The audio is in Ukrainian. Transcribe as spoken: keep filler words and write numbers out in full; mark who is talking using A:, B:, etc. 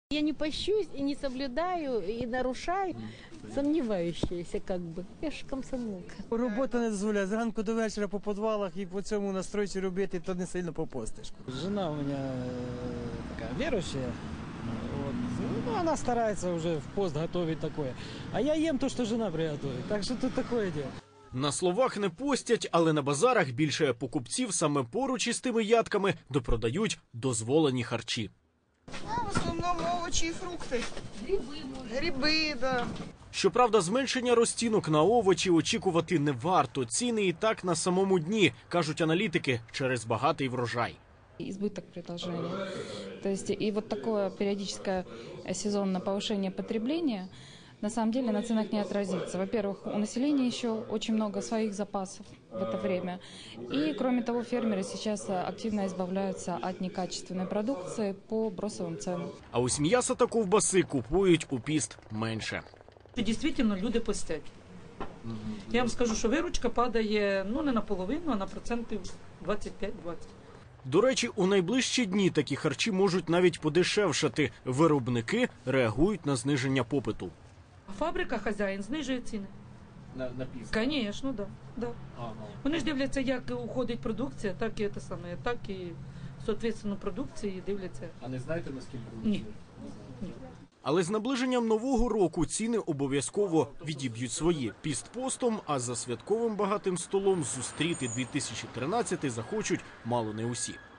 A: Я не пощусь и не соблюдаю, и нарушаю, сомневающаяся как бы. Я ж комсомолка.
B: Робота не дозволяє. Зранку до вечора по підвалах і по цьому настройці робити, то не сильно попостиш.
C: Жена у меня такая верующая. Вот. Ну, она старается уже в пост готовить такое. А я ем то, что жена приготовит. Так что тут такое дело.
D: На словах не постять, але на базарах більше покупців саме поруч із тими ядками допродають дозволені харчі.
E: Ну, в основному овочі і фрукти. Гриби, Гриби, да.
D: Щоправда, зменшення розцінок на овочі очікувати не варто. Ціни і так на самому дні, кажуть аналітики, через багатий врожай.
F: Избыток предложения. То есть и вот такое периодическое сезонное повышение потребления на самом деле на ценах не отразится. Во-первых, у населения еще очень много своих запасов в это время. И, кроме того, фермеры сейчас активно избавляются от некачественной продукции по бросовым ценам.
D: А ось м'яса та ковбаси купують у піст менше.
G: Дійсно, люди постять. Я вам скажу, що виручка падає ну не наполовину, а на процентів двадцять п'ять двадцять.
D: До речі, у найближчі дні такі харчі можуть навіть подешевшати. Виробники реагують на зниження попиту.
G: А фабрика, хазяїн знижує ціни.
D: На, на піст?
G: Звісно, да, да.
D: Ага.
G: Вони ж дивляться, як уходить продукція, так і те саме, так і, соответственно, продукції дивляться.
D: А не знаєте, наскільки?
G: Ні. Ні.
D: Але з наближенням Нового року ціни обов'язково відіб'ють свої. Піст постом, а за святковим багатим столом зустріти дві тисячі тринадцятий захочуть мало не усі.